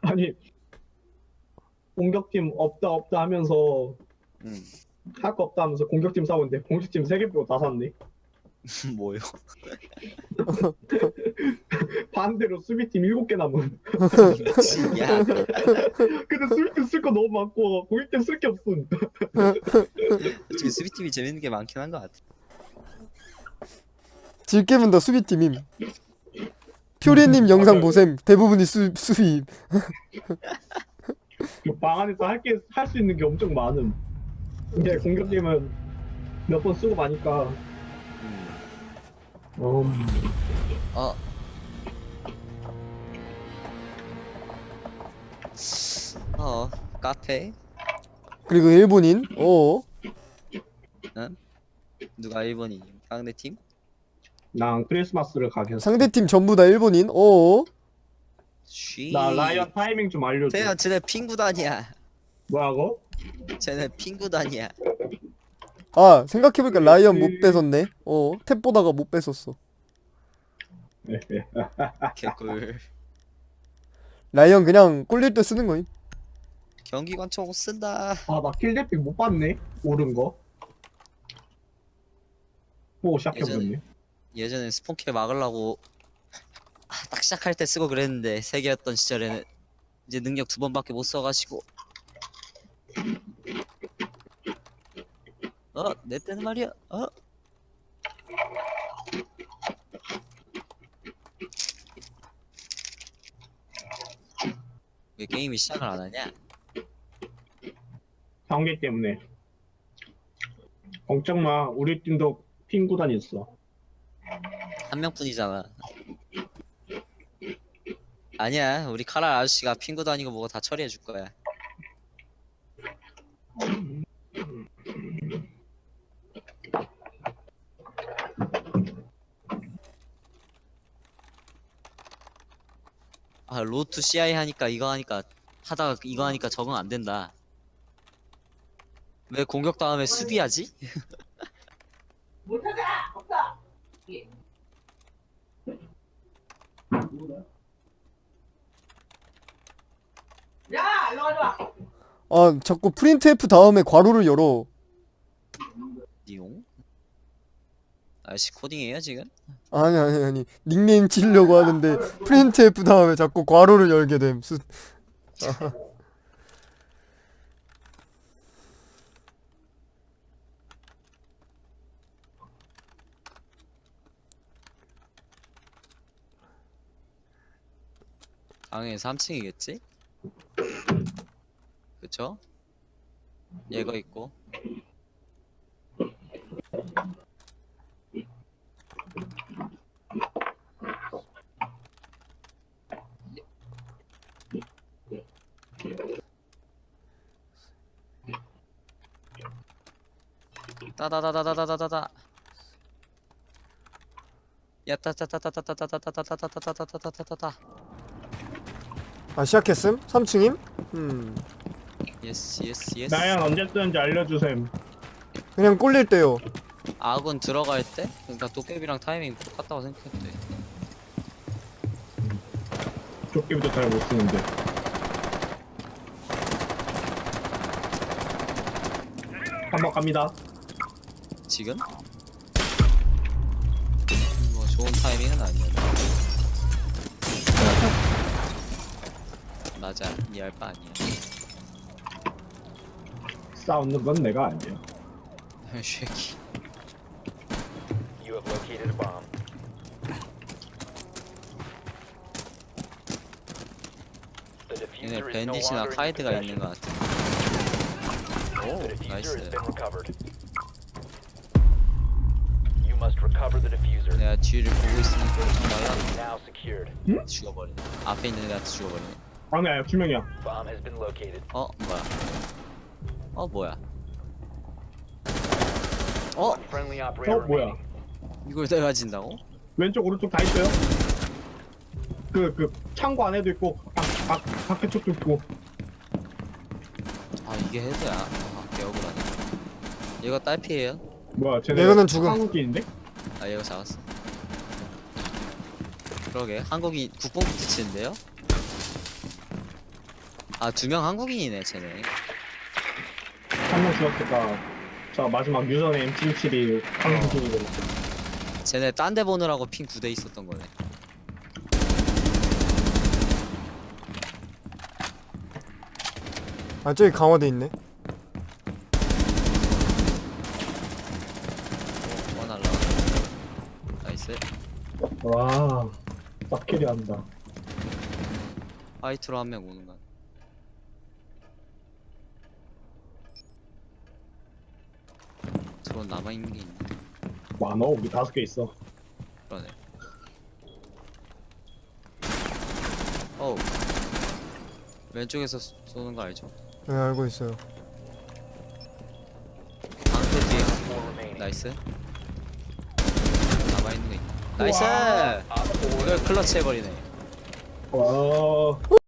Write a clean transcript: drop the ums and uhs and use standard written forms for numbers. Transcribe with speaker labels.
Speaker 1: 아니 공격팀 없다 없다 하면서
Speaker 2: 음.
Speaker 1: 할 거 없다 하면서 공격팀 싸우는데 공격팀 3개 빼고 다 샀네.
Speaker 2: 뭐요?
Speaker 1: 반대로 수비팀 7개 남은.
Speaker 2: 미친이야.
Speaker 1: 근데 수비팀 쓸 거 너무 많고 공격팀 쓸 게 없음.
Speaker 2: 솔직히 수비팀이 재밌는 게 많긴 한 것 같아.
Speaker 3: 질게임은 더 수비팀임. 퓨리님 영상 보셈. 대부분이 수비임.
Speaker 1: 방 안에서 할 수 있는 게 엄청 많음. 근데 공격팀은 몇 번 쓰고 마니까.
Speaker 2: 어. 카페?
Speaker 3: 그리고 일본인.
Speaker 2: 응? 누가 일본인? 상대팀?
Speaker 1: 난 크리스마스를 가겠어.
Speaker 3: 상대팀 전부 다 일본인.
Speaker 2: 쉬.
Speaker 1: 나 라이언 타이밍 좀 알려줘.
Speaker 2: 태연, 쟤네 핑구단이야.
Speaker 1: 뭐라고?
Speaker 2: 쟤네 핑구단이야.
Speaker 3: 아, 생각해보니까 라이언 못 뺏었네. 탭 보다가 못 뺏었어.
Speaker 2: 개꿀.
Speaker 3: 라이언 그냥 꼴릴 때 쓰는 거임.
Speaker 2: 경기관총 쓴다.
Speaker 1: 아, 나 킬대픽 못 봤네. 오른 거. 보고 시작해버렸네.
Speaker 2: 예전에 스폰킬 막으려고 딱 시작할 때 쓰고 그랬는데 3개였던 시절에는 이제 능력 2번밖에 못 써가지고. 내 때는 말이야. 왜 게임이 시작을 안 하냐?
Speaker 1: 경기 때문에. 걱정 마. 우리 팀도 핑 구단 있어.
Speaker 2: 한 명뿐이잖아. 아니야, 우리 카랄 아저씨가 핑구 다니고 뭐고 다 처리해 줄 거야. 아, 로투 CI 하니까 하다가 이거 하니까 적응 안 된다. 왜 공격 다음에 수비하지?
Speaker 4: 못하자! 없다! 야! 일로 와줘!
Speaker 3: 아, 자꾸 프린트 F 다음에 괄호를 열어.
Speaker 2: 니용? 아저씨 코딩해요 지금?
Speaker 3: 아니. 닉네임 지으려고 하는데 프린트 F 다음에 자꾸 괄호를 열게 됨.
Speaker 2: 당연히 3층이겠지? 그쵸? 얘가 있고. 따다다다다다다다다. 야따따따따따따따따따따따따따따따따따따.
Speaker 3: 아, 시작했음? 3층임?
Speaker 2: 예스.
Speaker 1: 나양 언제 쓰는지 알려주셈.
Speaker 3: 그냥 꼴릴 때요.
Speaker 2: 아군 들어갈 때? 그러니까 도깨비랑 타이밍 똑같다고 생각해도 돼.
Speaker 1: 조끼부터 잘 못 쓰는데. 한번 갑니다.
Speaker 2: 지금? 뭐 좋은 타이밍은 아니야. 맞아, 니 알 바 아니야.
Speaker 1: 싸우는 건 내가 아니야.
Speaker 2: 쉐키.
Speaker 5: You have located a bomb. The
Speaker 2: 얘네
Speaker 5: diffuser is no
Speaker 2: 밴딧이나
Speaker 5: longer in
Speaker 2: 카이드가
Speaker 5: your
Speaker 2: 있는
Speaker 5: possession.
Speaker 2: 것 같아. 오,
Speaker 5: The diffuser has
Speaker 2: 나이스.
Speaker 5: been recovered. You must recover the diffuser.
Speaker 2: 내가 뒤를 보고 있으니까 좀 말라.
Speaker 5: Now secured.
Speaker 2: 죽어버리네. 앞에 있는 애한테 죽어버리네.
Speaker 1: 아니야, 2명이야.
Speaker 5: Bomb has been located.
Speaker 2: 뭐야?
Speaker 5: One friendly operator
Speaker 1: 뭐야?
Speaker 5: remaining.
Speaker 2: 이걸 내가 진다고?
Speaker 1: 왼쪽, 오른쪽 다 있어요. 그 창고 안에도 있고, 밖에 쪽도 있고.
Speaker 2: 아, 이게 헤드야. 개 억울하네. 얘가 딸피예요?
Speaker 1: 뭐야, 쟤네
Speaker 3: 이거는 죽음.
Speaker 1: 한국인인데?
Speaker 2: 아, 얘가 잡았어. 그러게, 한국이 국뽕부터 치는데요? 아, 2명 한국인이네, 쟤네.
Speaker 1: 한 명 죽었을까. 저 마지막 유전의 M77이 한국인이고.
Speaker 2: 쟤네 딴 데 보느라고 핑 9대 있었던 거네.
Speaker 3: 아 저기 강화돼 있네.
Speaker 2: 날라. 나이스.
Speaker 1: 와, 싹캐리 한다.
Speaker 2: 화이트로 한 명 오는 거. 드론 남아 있는 게 있네.
Speaker 1: 많어, 우리 5개 있어.
Speaker 2: 그러네. 어우. 왼쪽에서 쏘는 거 알죠?
Speaker 3: 네 알고 있어요.
Speaker 2: 방패 뒤에
Speaker 5: 4 remaining.
Speaker 2: 나이스. 남아 있는 거 있다. 나이스.
Speaker 1: 우와.
Speaker 5: Op 4
Speaker 2: 이걸 클러치 해버리네.
Speaker 1: 와,